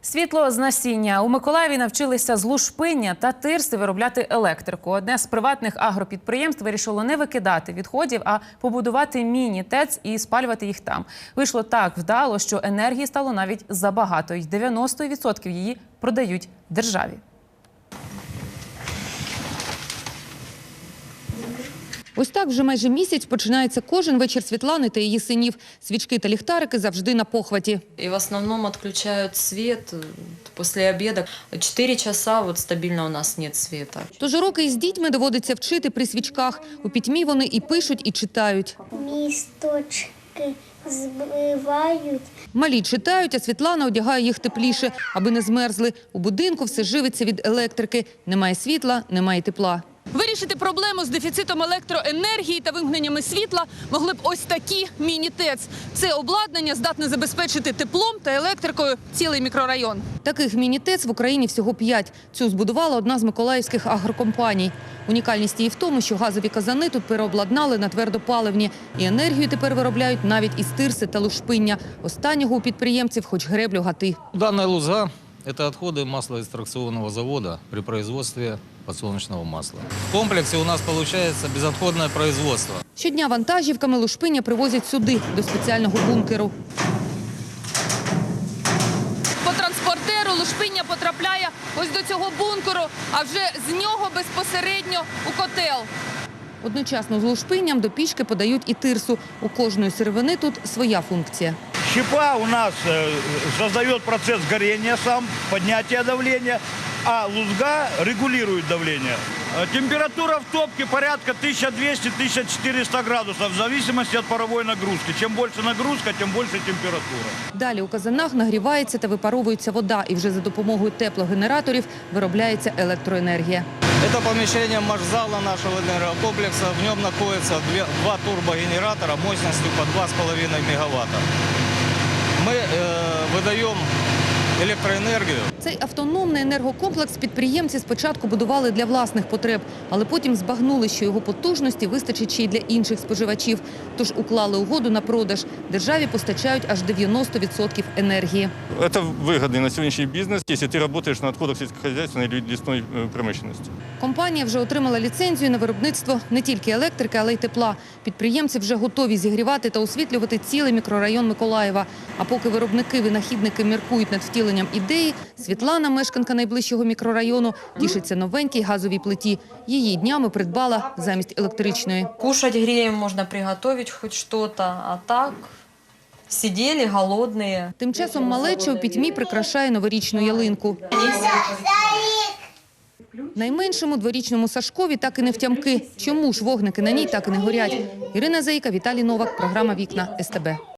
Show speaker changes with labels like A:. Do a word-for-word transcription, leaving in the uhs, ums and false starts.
A: Світло з насіння. У Миколаєві навчилися з лушпиння та тирси виробляти електрику. Одне з приватних агропідприємств вирішило не викидати відходів, а побудувати міні-ТЕЦ і спалювати їх там. Вийшло так вдало, що енергії стало навіть забагато. І дев'яносто відсотків її продають державі.
B: Ось так вже майже місяць починається кожен вечір Світлани та її синів. Свічки та ліхтарики завжди на похваті.
C: И в основном отключают свет после обеда. Четыре часа вот стабильно у нас нет света.
B: Тож уроки із дітьми доводиться вчити при свічках. У пітьмі вони і пишуть, і читають.
D: Місточки збивають.
B: Малі читають, а Світлана одягає їх тепліше, аби не змерзли. У будинку все живиться від електрики. Немає світла, немає тепла. Вирішити проблему з дефіцитом електроенергії та вимкненнями світла могли б ось такі міні-ТЕЦ. Це обладнання здатне забезпечити теплом та електрикою цілий мікрорайон. Таких міні-ТЕЦ в Україні всього п'ять. Цю збудувала одна з миколаївських агрокомпаній. Унікальність її в тому, що газові казани тут переобладнали на твердопаливні. І енергію тепер виробляють навіть із тирси та лушпиння. Останнього у підприємців хоч греблю гати.
E: Данная луза – это отходы маслоэкстракционного завода при производстве подсолнечного масла. В комплексе у нас получается безотходное производство.
B: Щодня вантажівками лушпиння привозять сюди, до спеціального бункеру. По транспортеру лушпиння потрапляє ось до цього бункеру, а вже з нього безпосередньо у котел. Одночасно з лушпинням до пічки подають і тирсу. У кожної сировини тут своя функція.
F: Щепа у нас э, создает процесс горения сам, поднятия давления, а лузга регулирует давление. Э, Температура в топке порядка тысяча двести — тысяча четыреста градусов в зависимости от паровой нагрузки. Чем больше нагрузка, тем больше температура.
B: Далі у казанах нагрівається та випаровується вода, і вже за допомогою теплогенераторів виробляється електроенергія.
E: Это помещение маршзала нашего энергокомплекса. В нем находится две, два турбогенератора мощностью по два с половиной мегаватта. Мы э, выдаем електроенергію.
B: Цей автономний енергокомплекс підприємці спочатку будували для власних потреб, але потім збагнули, що його потужності вистачить ще й для інших споживачів. Тож уклали угоду на продаж. Державі постачають аж дев'яносто відсотків енергії.
G: Это выгодный на сегодняшний бизнес, если ты работаешь на отходах сельскохозяйственной или лесной промышленности.
B: Компанія вже отримала ліцензію на виробництво не тільки електрики, але й тепла. Підприємці вже готові зігрівати та освітлювати цілий мікрорайон Миколаєва. А поки виробники-винахідники міркують над втіленням ідеї, Світлана, мешканка найближчого мікрорайону, тішиться новенькій газовій плиті. Її днями придбала замість електричної.
C: Кушать греем можно приготовить хоть что-то, а так сидели голодные.
B: Тим часом малеча у пітьмі прикрашає новорічну ялинку. Найменшому дворічному Сашкові так і не втямки. Чому ж вогники на ній так і не горять? Ірина Заїка, Віталій Новак, програма «Вікна» ес те бе.